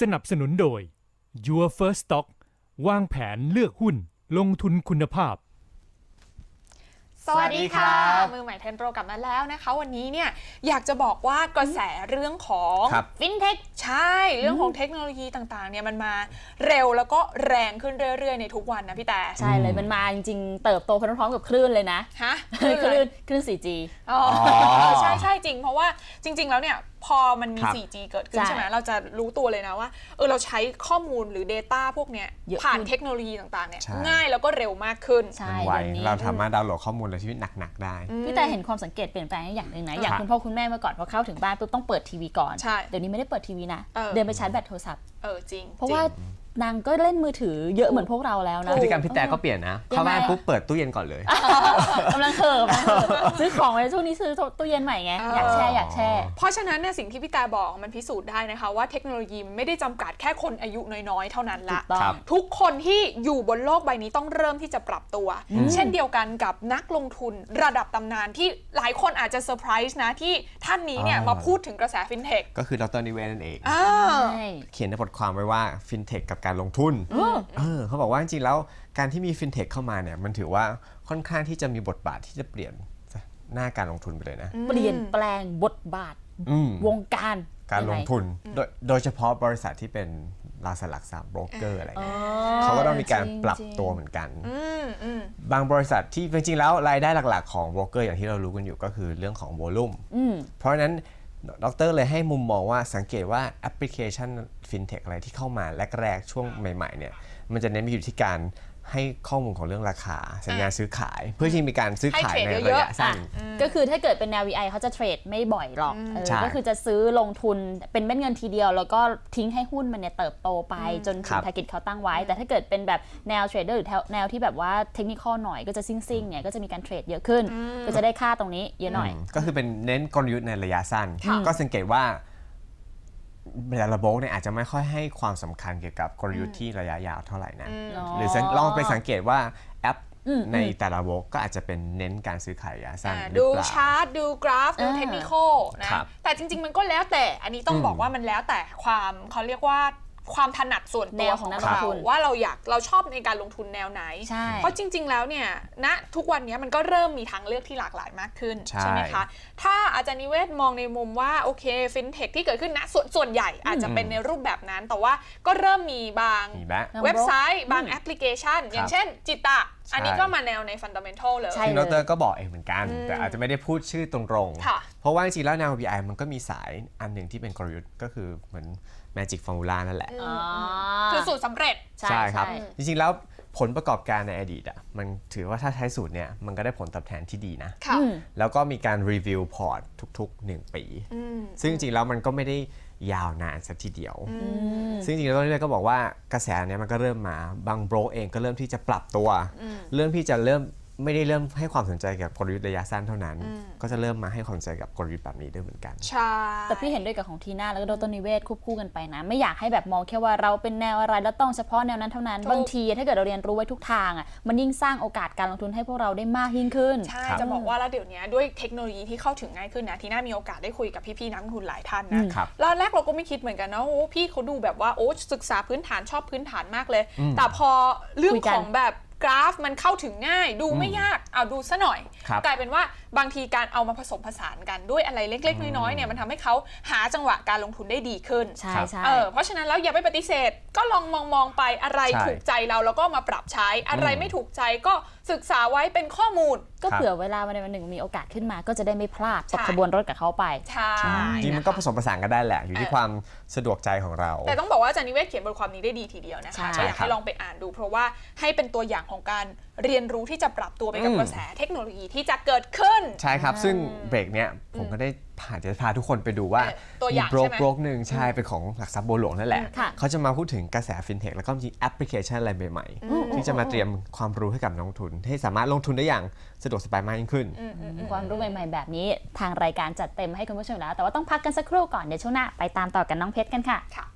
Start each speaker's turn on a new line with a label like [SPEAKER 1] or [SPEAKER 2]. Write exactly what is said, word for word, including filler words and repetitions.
[SPEAKER 1] สนับสนุนโดย Your First Stock วางแผนเลือกหุ้นลงทุนคุณภาพ
[SPEAKER 2] สวัสดีค่ะมือใหม่เทรนโปรกลับมาแล้วนะคะวันนี้เนี่ยอยากจะบอกว่ากระแสเรื่องของฟินเทคใช่เรื่องของเทคโนโลยีต่างๆเนี่ยมันมาเร็วแล้วก็แรงขึ้นเรื่อยๆในทุกวันนะพี่แต่
[SPEAKER 3] ใช่เลยมันมาจริงๆเติบโตพร้อมๆกับคลื่นเลยนะ
[SPEAKER 2] ฮะ
[SPEAKER 3] คลื่นคลื่น โฟร์จี
[SPEAKER 2] อ๋อใช่ใช่จริงเพราะว่าจริงๆแล้วเนี่ยพอมันมี โฟร์จี เกิดขึ้นใช่ไหมเราจะรู้ตัวเลยนะว่าเออเราใช้ข้อมูลหรือ Data พวกเนี้ยผ่านเทคโนโลยีต่างๆเนี่ยง่ายแล้วก็เร็วมากขึ้น
[SPEAKER 4] ใช่ไวเราสามารถดาวน์โหลดข้อมูลในชีวิตหนักๆได้
[SPEAKER 3] พี่แต่เห็นความสังเกตเปลี่ยนแปลงอย่างหนึ่งนะอย่างคุณพ่อคุณแม่เมื่อก่อนพอเข้าถึงบ้านปุ๊บต้องเปิดทีวีก่อนเดี๋ยวนี้ไม่ได้เปิดทีวีนะเดินไปชาร์จแบตโทรศัพท์
[SPEAKER 2] เออจริง
[SPEAKER 3] เพราะว่านางก็เล่นมือถือเยอะเหมือนพวกเราแล้วนะ
[SPEAKER 4] พฤติกรรมพี่แต่ก็เปลี่ยนนะเข้าบ้านปุ๊บเปิดตู้เย็นก่อนเลย
[SPEAKER 3] กำลังเคิร์ฟซื้อของไว้ช่วงนี้ซื้อตู้เย็นใหม่ไงอยากแช่อยากแช่
[SPEAKER 2] เพราะฉะนั้นเนี่ยสิ่งที่พี่แต่บอกมันพิสูจน์ได้นะคะว่าเทคโนโลยีมันไม่ได้จำกัดแค่คนอายุน้อยๆเท่านั้นละทุกคนที่อยู่บนโลกใบนี้ต้องเริ่มที่จะปรับตัวเช่นเดียวกันกับนักลงทุนระดับตำนานที่หลายคนอาจจะเซอร์ไพรส์นะที่ท่านนี้เนี่ยมาพูดถึงกระแสฟินเทค
[SPEAKER 4] ก็คือดร.นิเวศนั่นเองเขียนในบทความไว้ว่าฟินเทคกับการลงทุนเออเขาบอกว่าจริงๆแล้วการที่มีฟินเทคเข้ามาเนี่ยมันถือว่าค่อนข้างที่จะมีบทบาทที่จะเปลี่ยนหน้าการลงทุนไปเลยนะ
[SPEAKER 3] เปลี่ยนแปลงบทบาทวงการ
[SPEAKER 4] การลงทุนโดยโดยเฉพาะบริษัทที่เป็นตราสารหลักทรัพย์โบรกเกอร์อะไรเงี้ยเขาก็ต้องมีการปรับตัวเหมือนกันบางบริษัทที่จริงๆแล้วรายได้หลักๆของโบรกเกอร์อย่างที่เรารู้กันอยู่ก็คือเรื่องของโวลุ่มเพราะฉะนั้นดร.เลยให้มุมมองว่าสังเกตว่าแอปพลิเคชันฟินเทคอะไรที่เข้ามาแรกๆช่วงใหม่ๆเนี่ยมันจะเน้นไปอยู่ที่การให้ข้อมูลของเรื่องราคาสัญญาซื้อขายเพื่อที่มีการซื้อขายในระยะสั้น
[SPEAKER 3] ก็คือถ้าเกิดเป็นแนว วี ไอ เขาจะเทรดไม่บ่อยหรอกก็คือจะซื้อลงทุนเป็นเม็ดเงินทีเดียวแล้วก็ทิ้งให้หุ้นมันเนี่ยเติบโตไปจนถึง target เขาตั้งไว้แต่ถ้าเกิดเป็นแบบแนวเทรดเดอร์หรือแนวที่แบบว่าเทคนิคหน่อยก็จะซิ่งๆเนี่ยก็จะมีการเทรดเยอะขึ้นก็จะได้ค่าตรงนี้เยอะหน่อย
[SPEAKER 4] ก็คือเป็นเน้นกลยุทธ์ในระยะสั้นก็สังเกตว่าแต่ละโบรกเนี่ยอาจจะไม่ค่อยให้ความสำคัญเกี่ยวกับกลยุทธ์ที่ระยะยาวเท่าไหร่นะหรือลองไปสังเกตว่าแอปในแต่ละโบรกก็อาจจะเป็นเน้นการซื้อขายระยะสั้น
[SPEAKER 2] ดูชาร์ตดูกราฟดูเทคนิคนะแต่จริงๆมันก็แล้วแต่อันนี้ต้องบอกว่ามันแล้วแต่ความเขาเรียกว่าความถนัดส่วนตัวของเราว่าเราอยากเราชอบในการลงทุนแนวไหนเพราะจริงๆแล้วเนี่ยณทุกวันนี้มันก็เริ่มมีทางเลือกที่หลากหลายมากขึ้นใช่ไหมคะถ้าอาจารย์นิเวศมองในมุมว่าโอเคฟินเทคที่เกิดขึ้นณส่วนส่วนใหญ่อาจจะเป็นในรูปแบบนั้นแต่ว่าก็เริ่มมีบางเว็บไซต์บางแอปพลิเคชันอย่างเช่นจิตะอันนี้ก็มาแนวในฟันดัมเมนทัลเลย
[SPEAKER 4] ที่ดร.ก็บอกเองเหมือนกันแต่อาจจะไม่ได้พูดชื่อตรงๆเพราะว่าจริงๆแล้วแนว วี ไอ มันก็มีสายอันหนึ่งที่เป็นกลยุทธ์ก็คือเหมือนMagic Formula นั่นแหละ
[SPEAKER 2] คือสูตรสำเร็จ
[SPEAKER 4] ใช่ครับจริงๆแล้วผลประกอบการในอดีตอ่ะมันถือว่าถ้าใช้สูตรเนี่ยมันก็ได้ผลตอบแทนที่ดีนะแล้วก็มีการรีวิวพอร์ตทุกๆหนึ่งปีซึ่งจริงๆแล้วมันก็ไม่ได้ยาวนานสักทีเดียวซึ่งจริงๆแล้วเรื่อยๆก็บอกว่ากระแสเนี้ยมันก็เริ่มมาบางโบรกเองก็เริ่มที่จะปรับตัวเริ่มที่จะเริ่มไม่ได้เริ่มให้ความสนใจกับกลยุทธ์ระยะสั้นเท่านั้นก็จะเริ่มมาให้ความสนใจกับกลยุทธ์แบบนี้ด้วยเหมือนกัน
[SPEAKER 2] ใช่
[SPEAKER 3] แต่พี่เห็นด้วยกับของทีน่าแล้วก็ดร.นิเวศควบคู่กันไปนะไม่อยากให้แบบมองแค่ว่าเราเป็นแนวอะไรแล้วต้องเฉพาะแนวนั้นเท่านั้นบางทีถ้าเกิดเราเรียนรู้ไว้ทุกทางอ่ะมันยิ่งสร้างโอกาสการลงทุนให้พวกเราได้มากยิ่งขึ้น
[SPEAKER 2] ใช่จะบอกว่าแล้วเดี๋ยวนี้ด้วยเทคโนโลยีที่เข้าถึงง่ายขึ้นนะทีน่ามีโอกาสได้คุยกับพี่ๆนักลงทุนหลายท่านนะแล้วแรกเราก็ไม่คิดเหมือนกันนะโอ้พี่เขาดูแบบว่าโอ้ศึกษาพื้นฐานชอบพื้นฐานมากเลยแต่พอเรื่องของแบบกราฟมันเข้าถึงง่ายดูไม่ยากเอาดูซะหน่อยกลายเป็นว่าบางทีการเอามาผสมผสานกันด้วยอะไรเล็กๆน้อยๆเนี่ยมันทำให้เขาหาจังหวะการลงทุนได้ดีขึ้น
[SPEAKER 3] ใช่ใช่
[SPEAKER 2] เพราะฉะนั้นแล้วอย่าไปปฏิเสธก็ลองมองมองไปอะไรถูกใจเราแล้วก็มาปรับใช้อะไรไม่ถูกใจก็ศึกษาไว้เป็นข้อมูล
[SPEAKER 3] ก็เผื่อเวลาวันใดวันหนึ่งมีโอกาสขึ้นมาก็จะได้ไม่พลาดตกขบวนรถกับเขาไป
[SPEAKER 2] ใช่
[SPEAKER 4] จริงมันก็ผสมผสานกันได้แหละอยู่ที่ความสะดวกใจของเรา
[SPEAKER 2] แต่ต้องบอกว่าอาจารย์นิเวศเขียนบทความนี้ได้ดีทีเดียวนะคะก็อยากให้ลองไปอ่านดูเพราะว่าให้เป็นตัวอย่างของการเรียนรู้ที่จะปรับตัวไปกับกระแสเทคโนโลยีที่จะเกิดขึ้น
[SPEAKER 4] ใช่ครับซึ่งเบรกเนี้ยผมก็ได้ผ่านจะพาทุกคนไปดูว่า
[SPEAKER 2] มี
[SPEAKER 4] โบรกโบรกหนึ่งใช่เป็นของหลักทรัพย์บัวหลวงนั่นแหละเขาจะมาพูดถึงกระแสฟินเทคแล้วก็มีแอปพลิเคชันอะไรใหม่ๆที่จะมาเตรียมความรู้ให้กับนักลงทุนให้สามารถลงทุนได้อย่างสะดวกสบายมากยิ่งขึ้น
[SPEAKER 3] ความรู้ใหม่ๆแบบนี้ทางรายการจัดเต็มให้คุณผู้ชมแล้วแต่ว่าต้องพักกันสักครู่ก่อนเดี๋ยวช่วงหน้าไปตามต่อกันน้องเพชรกันค่ะ